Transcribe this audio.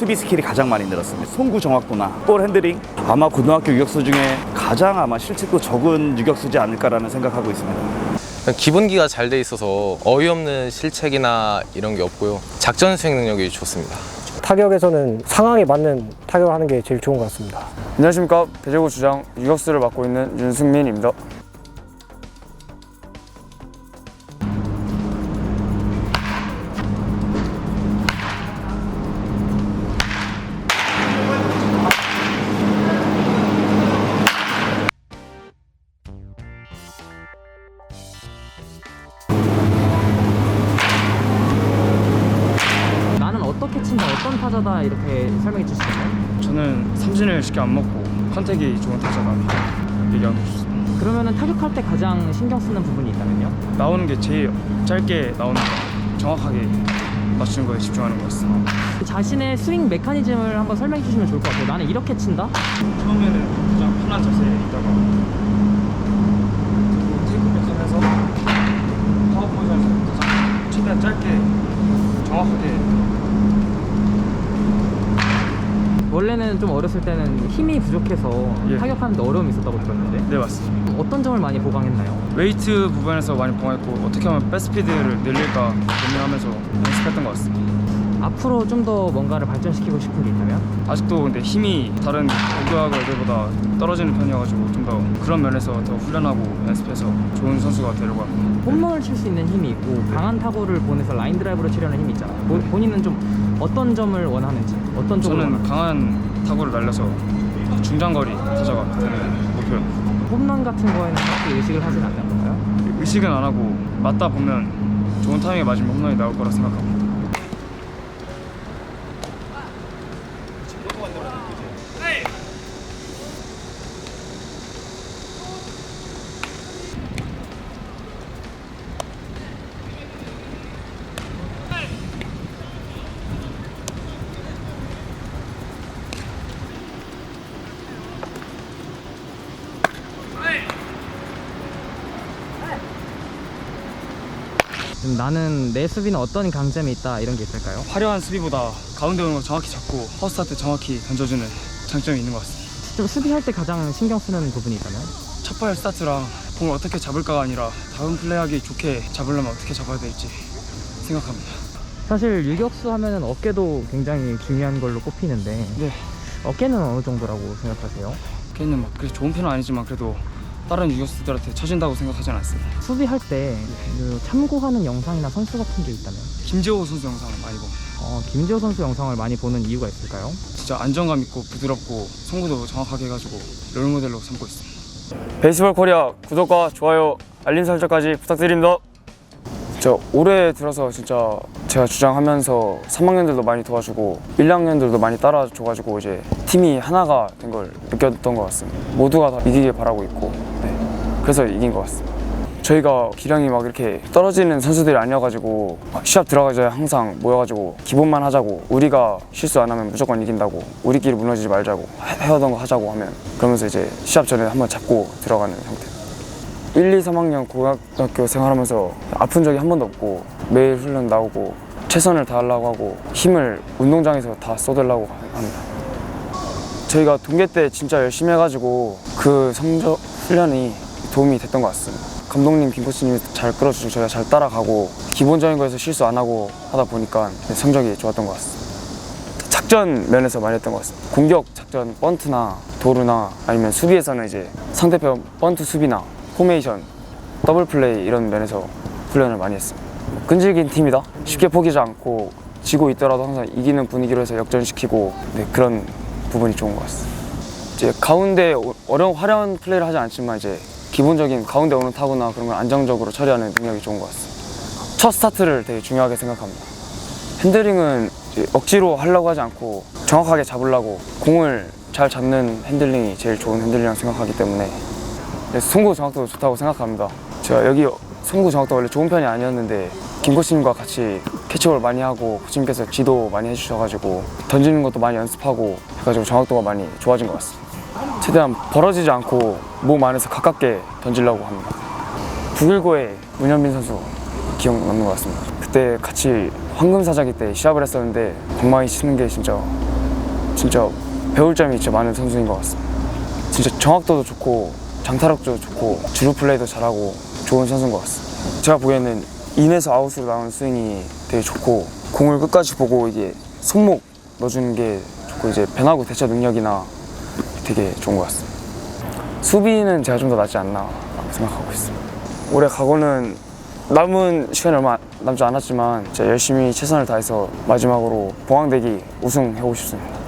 수비 스킬이 가장 많이 늘었습니다. 송구 정확도나 볼 핸들링, 아마 고등학교 유격수 중에 가장 아마 실책도 적은 유격수지 않을까라는 생각하고 있습니다. 기본기가 잘 돼 있어서 어이없는 실책이나 이런 게 없고요. 작전 수행 능력이 좋습니다. 타격에서는 상황에 맞는 타격을 하는 게 제일 좋은 것 같습니다. 안녕하십니까. 배제고 주장 유격수를 맡고 있는 윤승민입니다. 어떻게 친다, 어떤 타자다 이렇게 설명해 주시나요? 저는 삼진을 쉽게 안 먹고 컨택이 좋은 타자다 얘기하고 싶습니다. 그러면은 타격할 때 가장 신경 쓰는 부분이 있다면요? 나오는 게 제일 짧게 나오는 거, 정확하게 맞추는 거에 집중하는 거였습니다. 자신의 스윙 메커니즘을 한번 설명해 주시면 좋을 것 같아요. 나는 이렇게 친다? 처음에는 가장 편한 자세에 있다가 그리고 테이크 백선에서 파워 포지션에서 가장 최대한 짧게 정확하게. 원래는 좀 어렸을 때는 힘이 부족해서 예. 타격하는데 어려움이 있었다고 들었는데 네, 맞습니다. 어떤 점을 많이 보강했나요? 웨이트 부분에서 많이 보강했고 어떻게 하면 백스피드를 늘릴까 고민하면서 연습했던 것 같습니다. 앞으로 좀 더 뭔가를 발전시키고 싶은 게 있다면? 아직도 근데 힘이 다른 고등학교 애들보다 떨어지는 편이어가지고 좀 더 그런 면에서 더 훈련하고 연습해서 좋은 선수가 되려고 합니다. 홈런을 칠 수 있는 힘이 있고 강한 타구를 보내서 라인 드라이브로 치려는 힘이 있잖아요. 본인은 좀 어떤 점을 원하는지, 어떤 쪽을 저는 원하는지. 강한 타구를 날려서 중장거리 타자가 되는 목표입니다. 홈런 같은 거에는 딱히 의식을 하진 않는 건가요? 의식은 안 하고 맞다 보면 좋은 타이밍에 맞으면 홈런이 나올 거라 생각합니다. 나는 내 수비는 어떤 강점이 있다 이런 게 있을까요? 화려한 수비보다 가운데 오는 거 정확히 잡고 허스타트 정확히 던져주는 장점이 있는 것 같습니다. 좀 수비할 때 가장 신경 쓰는 부분이 있다면? 첫발 스타트랑 공을 어떻게 잡을까가 아니라 다음 플레이하기 좋게 잡으려면 어떻게 잡아야 될지 생각합니다. 사실 유격수 하면은 어깨도 굉장히 중요한 걸로 꼽히는데 네. 어깨는 어느 정도라고 생각하세요? 걔는 막 그렇게 좋은 편은 아니지만 그래도 다른 유격수들한테 쳐진다고 생각하진 않습니다. 수비할 때 그 참고하는 영상이나 선수 같은 게 있다면? 김재호 선수 영상을 많이 봅니다. 김지호 선수 영상을 많이 보는 이유가 있을까요? 진짜 안정감 있고 부드럽고 송구도 정확하게 해가지고 롤모델로 삼고 있습니다. 베이스볼 코리아 구독과 좋아요, 알림 설정까지 부탁드립니다. 저 올해 들어서 진짜 제가 주장하면서 3학년들도 많이 도와주고 1학년들도 많이 따라줘가지고 이제 팀이 하나가 된 걸 느꼈던 것 같습니다. 모두가 다 이기길 바라고 있고 그래서 이긴 것 같습니다. 저희가 기량이 막 이렇게 떨어지는 선수들이 아니어가지고 시합 들어가기 전에 항상 모여가지고 기본만 하자고, 우리가 실수 안 하면 무조건 이긴다고, 우리끼리 무너지지 말자고, 해오던 거 하자고 하면 그러면서 이제 시합 전에 한번 잡고 들어가는 형태. 1, 2, 3학년 고등학교 생활하면서 아픈 적이 한 번도 없고 매일 훈련 나오고 최선을 다하려고 하고 힘을 운동장에서 다 쏟으려고 합니다. 저희가 동계 때 진짜 열심히 해가지고 그 성적 훈련이 도움이 됐던 것 같습니다. 감독님, 김코치님이 잘 끌어주시고 저희가 잘 따라가고 기본적인 거에서 실수 안 하고 하다 보니까 성적이 좋았던 것 같습니다. 작전 면에서 많이 했던 것 같습니다. 공격 작전, 번트나 도루나 아니면 수비에서는 이제 상대편 번트 수비나 포메이션, 더블 플레이 이런 면에서 훈련을 많이 했습니다. 끈질긴 팀이다, 쉽게 포기하지 않고 지고 있더라도 항상 이기는 분위기로 해서 역전시키고 그런 부분이 좋은 것 같습니다. 이제 가운데 어려운 화려한 플레이를 하지 않지만 이제 기본적인 가운데 오는 타구나 그런 걸 안정적으로 처리하는 능력이 좋은 것 같습니다. 첫 스타트를 되게 중요하게 생각합니다. 핸들링은 억지로 하려고 하지 않고 정확하게 잡으려고 공을 잘 잡는 핸들링이 제일 좋은 핸들링이라고 생각하기 때문에 송구 정확도도 좋다고 생각합니다. 제가 여기 송구 정확도 원래 좋은 편이 아니었는데 김 코치님과 같이 캐치볼 많이 하고 코치님께서 지도 많이 해주셔가지고 던지는 것도 많이 연습하고 해가지고 정확도가 많이 좋아진 것 같습니다. 최대한 벌어지지 않고 몸 안에서 가깝게 던지려고 합니다. 919의 문현빈 선수 기억 남는 것 같습니다. 그때 같이 황금사자기 때 시합을 했었는데 방망이 치는 게 진짜 진짜 배울 점이 진짜 많은 선수인 것 같습니다. 진짜 정확도도 좋고 장타력도 좋고 주루 플레이도 잘하고 좋은 선수인 것 같습니다. 제가 보기에는 인에서 아웃으로 나오는 스윙이 되게 좋고 공을 끝까지 보고 이게 손목 넣어주는 게 좋고 이제 변화구 대처 능력이나 되게 좋은 것 같습니다. 수비는 제가 좀 더 낫지 않나 생각하고 있습니다. 올해 각오는 남은 시간이 얼마 남지 않았지만 진짜 열심히 최선을 다해서 마지막으로 봉황대기 우승해보고 싶습니다.